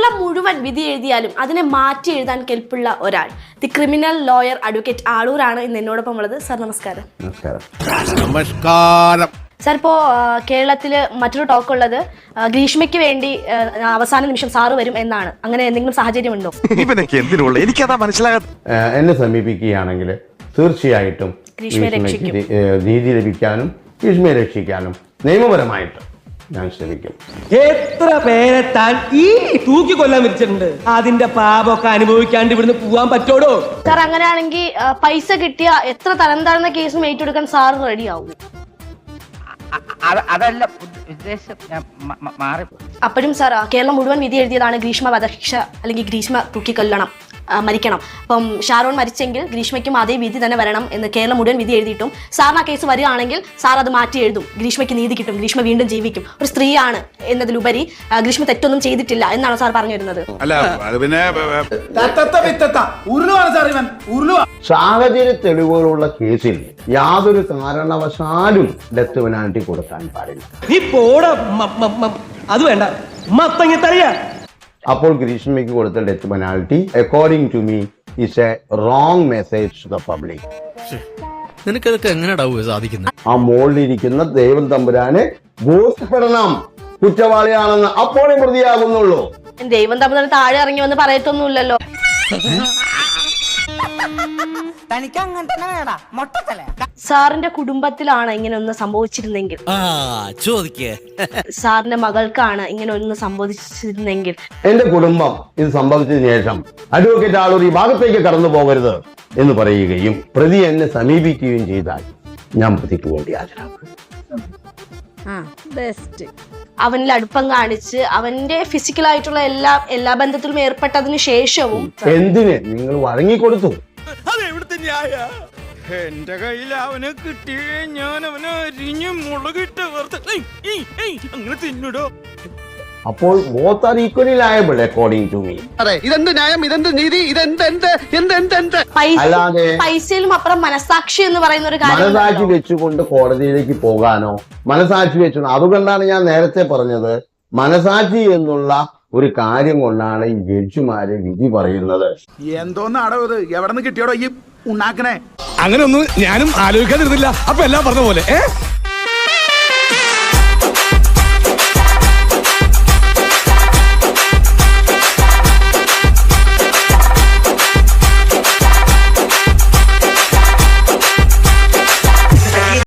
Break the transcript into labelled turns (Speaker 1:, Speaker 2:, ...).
Speaker 1: കേരളം മുഴുവൻ വിധി എഴുതിയാലും അതിനെ മാറ്റി എഴുതാൻ കെൽപ്പുള്ള ഒരാൾ, ദി ക്രിമിനൽ ലോയർ അഡ്വക്കേറ്റ് ആളൂരാണ് ഇന്ന് എന്നോടൊപ്പം ഉള്ളത്. സാർ നമസ്കാരം.
Speaker 2: നമസ്കാരം.
Speaker 1: സാർ, ഇപ്പോൾ കേരളത്തിൽ മറ്റൊരു ടോക്ക് ഉള്ളത് ഗ്രീഷ്മയ്ക്ക് വേണ്ടി അവസാന നിമിഷം സാറ് വരും എന്നാണ്. അങ്ങനെ എന്തെങ്കിലും സാഹചര്യമുണ്ടോ?
Speaker 3: എനിക്കതാ മനസ്സിലാകാത്ത.
Speaker 4: എന്നെ സമീപിക്കുകയാണെങ്കിൽ തീർച്ചയായിട്ടും നീതി ലഭിക്കാനും ഗ്രീഷ്മയെ രക്ഷിക്കാനും നിയമപരമായിട്ട് ഞാൻ ശ്രമിക്കും.
Speaker 5: എത്ര പേരെ താൻ ഈ തൂക്കിക്കൊല്ലാൻ വിളിച്ചിട്ടുണ്ട്. അതിന്റെ പാപമൊക്കെ അനുഭവിക്കാണ്ട് ഇവിടുന്ന് പോവാൻ പറ്റോടോ?
Speaker 1: സാർ, അങ്ങനെയാണെങ്കിൽ പൈസ കിട്ടിയ എത്ര തരം താഴ്ന്ന കേസും ഏറ്റെടുക്കാൻ സാർ റെഡിയാവും?
Speaker 6: അതല്ല ഉദ്ദേശം, മാറി.
Speaker 1: അപ്പോഴും സാർ, കേരളം മുഴുവൻ വിധി എഴുതിയതാണ് ഗ്രീഷ്മ വധശിക്ഷ അല്ലെങ്കിൽ ഗ്രീഷ്മ തൂക്കിക്കൊല്ലണം, മരിക്കണം. അപ്പം ഷാരോൺ മരിച്ചെങ്കിൽ ഗ്രീഷ്മയ്ക്കും അതേ വിധി തന്നെ വരണം എന്ന് കേരളം മുഴുവൻ വിധി എഴുതിയിട്ടും സാറിന് ആ കേസ് വരികയാണെങ്കിൽ സാർ അത് മാറ്റി എഴുതും, ഗ്രീഷ്മയ്ക്ക് നീതി കിട്ടും, ഗ്രീഷ്മ വീണ്ടും ജീവിക്കും, ഒരു സ്ത്രീയാണ് എന്നതിലുപരി ഗ്രീഷ്മ തെറ്റൊന്നും ചെയ്തിട്ടില്ല എന്നാണ് സാർ പറഞ്ഞു വരുന്നത്.
Speaker 4: സാഹചര്യ തെളിവുകളുള്ള കേസിൽ യാതൊരു കാരണവശാലും ഡെത്ത് പെനാൽറ്റി കൊടുക്കാൻ പാടില്ല.
Speaker 5: നീ പോടാ. അത് വേണ്ട, മത്തങ്ങത്തറിയാ.
Speaker 4: അപ്പോൾ ഗ്രീഷ്മയ്ക്ക് കൊടുത്ത death penalty according to me is a wrong message to the public.
Speaker 2: നിനക്കതൊക്കെ എങ്ങനെയാ സാധിക്കുന്നത്?
Speaker 4: ആ മോളിലിരിക്കുന്ന ദൈവം തമ്പുരാനെ ബോധ്യപ്പെടണം കുറ്റവാളിയാണെന്ന്, അപ്പോഴേ പ്രതിയാകുന്നുള്ളൂ.
Speaker 1: ദൈവം തമ്മിൽ താഴെ ഇറങ്ങി വന്ന് പറയത്തൊന്നുമില്ലല്ലോ. സാറിന്റെ കുടുംബത്തിലാണ് ഇങ്ങനെ ഒന്ന് സംഭവിച്ചിരുന്നെങ്കിൽ, സാറിന്റെ മകൾക്കാണ് ഇങ്ങനെ ഒന്ന് സംഭവിച്ചിരുന്നെങ്കിൽ,
Speaker 4: എന്റെ കുടുംബം ഇത് സംഭവിച്ചതിന് ശേഷം അഡ്വക്കേറ്റ് ആളൂർ ഈ ഭാഗത്തേക്ക് കടന്നു പോകരുത് എന്ന് പറയുകയും പ്രതി എന്നെ സമീപിക്കുകയും ചെയ്താൽ ഞാൻ പ്രതിക്ക് വേണ്ടി ഹാജരാകും.
Speaker 1: അവനിൽ അടുപ്പം കാണിച്ച് അവന്റെ ഫിസിക്കലായിട്ടുള്ള എല്ലാ ബന്ധത്തിലും ഏർപ്പെട്ടതിന് ശേഷവും
Speaker 4: എന്തിന് നിങ്ങൾ വഴങ്ങിക്കൊടുത്തു?
Speaker 2: എന്റെ കയ്യിൽ അവനെ കിട്ടിയേ ഞാൻ അവനെ അരിഞ്ഞ് മുളകിട്ട് അങ്ങനെ തിന്നിടോ.
Speaker 4: അപ്പോൾ both are equally liable according to me.
Speaker 3: ഇതെന്ത് ന്യായം, ഇതെന്ത് നീതി, ഇതെന്ത്?
Speaker 4: അല്ലാതെ
Speaker 1: പൈസയിലും അപ്പുറം മനസാക്ഷി എന്ന് പറയുന്ന ഒരു കാര്യം,
Speaker 4: മനസാക്ഷി വെച്ചുകൊണ്ട് കോടതിയിലേക്ക് പോകാനോ, മനസാക്ഷി വെച്ചു, അതുകൊണ്ടാണ് ഞാൻ നേരത്തെ പറഞ്ഞത്, മനസാക്ഷി എന്നുള്ള ഒരു കാര്യം കൊണ്ടാണ് ഈ ജഡ്ജിമാര് വിധി പറയുന്നത്.
Speaker 7: എന്തോന്നാടോ ഇത്, എവിടെ നിന്ന് കിട്ടിയോടോ ഈ ഉണ്ടാക്കണേ?
Speaker 3: അങ്ങനെ ഒന്നും ഞാനും ആലോചിക്കാതിരുന്നില്ല. അപ്പൊ എല്ലാം പറഞ്ഞ പോലെ